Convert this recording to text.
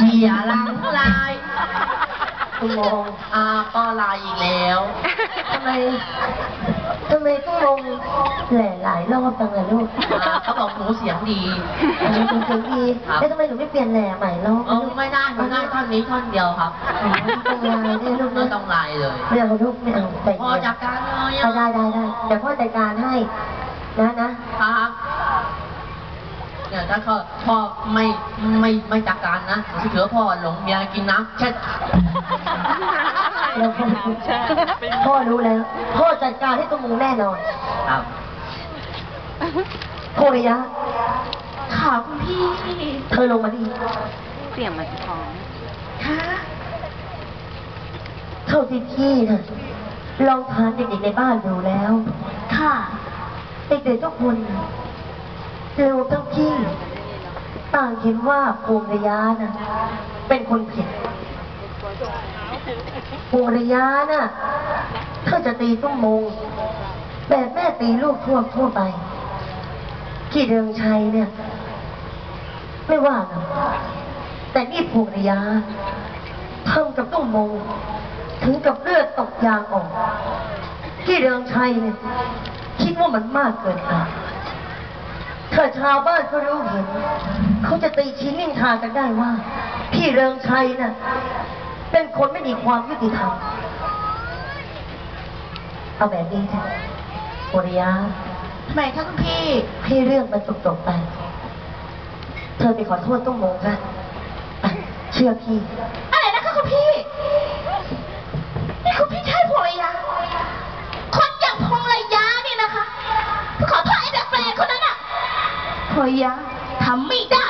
เสียหลังลายตุ้มมงก็ลายอีกแล้วทำไมตุ้มมงแหล่หลายรอบจังเลยลูกเขาบอกหนูเสียงดีอันนี้เป็นเสียงดีแล้วทำไมหนูไม่เปลี่ยนแหล่ใหม่รอบไม่ได้หนูได้ท่อนนี้ท่อนเดียวครับต้องลายเนี่ยลูกไม่ต้องลายเลยไม่เอาลูกไม่เอาแต่พ่อจัดการเลยได้เดี๋ยวพ่อจัดการให้นะครับเนี่ยถ้าพ่อไม่จัดการนะเถือพ่อหลงเมียกินน้ำเช็ดพ่อรู้แล้วพ่อจัดการให้ตุ้มมงแน่นอนครับโคริยะค่ะคุณพี่เธอลงมาดิเสียงมันท้องค่ะเท่าที่พี่นะลองถามเด็กๆในบ้านดูแล้วค่ะเด็กๆทุกคนเร็วทั้งพี่ต่างเห็นว่าภูมิระยะน่ะเป็นคนผิดภูมิระยะน่ะถ้าจะตีตุ้มมงแบบแม่ตีลูกทั่วไปที่เรืองชัยเนี่ยไม่ว่าหรอกแต่นี่ภูมิระยะทำกับตุ้มมงถึงกับเลือดตกยางออกที่เรืองชัยเนี่ยคิดว่ามันมากเกินไปถ้าชาวบ้านเขารู้เห็นเขาจะตีชี้นินทากันได้ว่าพี่เริงชัยน่ะเป็นคนไม่มีความยุติธรรมเอาแบบนี้เถอะโอริยะทำไมคะคุณพี่ให้เรื่องมันจบไปเธอไปขอโทษตุ้มมงกันเชื่อพี่อะไรนะคะคุณพี่นี่คุณพี่ใช่ภรรยาคนอย่างภรรยาเนี่ยนะคะขอโทษไอ้แปลกๆคนนั้นอะภรรยาทำไม่ได้